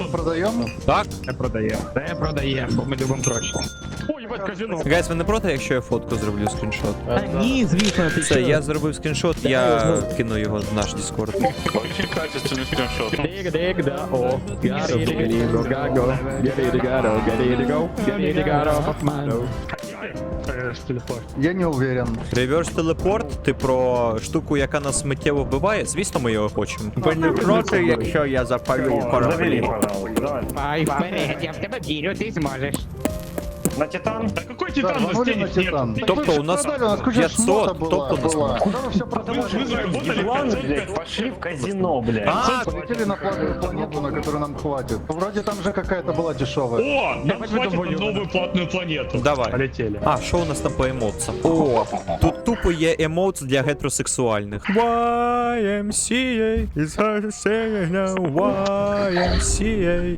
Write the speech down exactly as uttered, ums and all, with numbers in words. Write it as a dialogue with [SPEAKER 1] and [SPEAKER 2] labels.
[SPEAKER 1] продаємо?
[SPEAKER 2] Так?
[SPEAKER 3] Не продаємо. Не продаємо, бо ми любимо гроші. Ой, ебать, казино.
[SPEAKER 2] Гайс, ви не проти, якщо я фотку зроблю скріншот?
[SPEAKER 3] Та ні, звісно, ти
[SPEAKER 2] Все, я зробив скріншот, я кину його в наш Discord.
[SPEAKER 4] Очень качественный скриншот.
[SPEAKER 3] Дик, дик, да, о. Гаро, гиго, гаго. Гиго, гаро, гиго, гиго, гаро, факмано.
[SPEAKER 1] Я не уверен.
[SPEAKER 2] Реверс телепорт, ти про штуку, яка нас миттєво вбиває? Звісно, ми його хочемо.
[SPEAKER 5] Ви не проти, якщо я запалю кораблі?
[SPEAKER 3] Ай, вперед, я в тебе вірю, ти зможеш.
[SPEAKER 6] На Титан?
[SPEAKER 4] Да какой
[SPEAKER 1] Да,
[SPEAKER 4] титан? У нас
[SPEAKER 1] рванули на
[SPEAKER 4] денег
[SPEAKER 1] Титан.
[SPEAKER 4] нет.
[SPEAKER 1] Так
[SPEAKER 2] Тобто
[SPEAKER 1] вы ж
[SPEAKER 2] у нас
[SPEAKER 1] продали, у нас куча
[SPEAKER 2] пятьсот,
[SPEAKER 1] шмота была,
[SPEAKER 2] тобто у нас
[SPEAKER 1] была. Куда вы все
[SPEAKER 4] Вы,
[SPEAKER 1] продавали?
[SPEAKER 4] вы заработали
[SPEAKER 6] Ладно,
[SPEAKER 4] пятьсот,
[SPEAKER 6] блядь, пошли в казино, блядь.
[SPEAKER 2] А,
[SPEAKER 1] Полетели на платную планету, на которую нам хватит. Вроде там же какая-то была дешевая.
[SPEAKER 4] О, нам
[SPEAKER 3] Давай
[SPEAKER 4] хватит на
[SPEAKER 3] выдумываю.
[SPEAKER 4] новую платную планету.
[SPEAKER 2] давай.
[SPEAKER 3] Полетели.
[SPEAKER 2] А, що у нас там по емоцам? О, тут тупо є емоц для гетеросексуальних. вай ем сі ей is hard to say now, вай ем сі ей.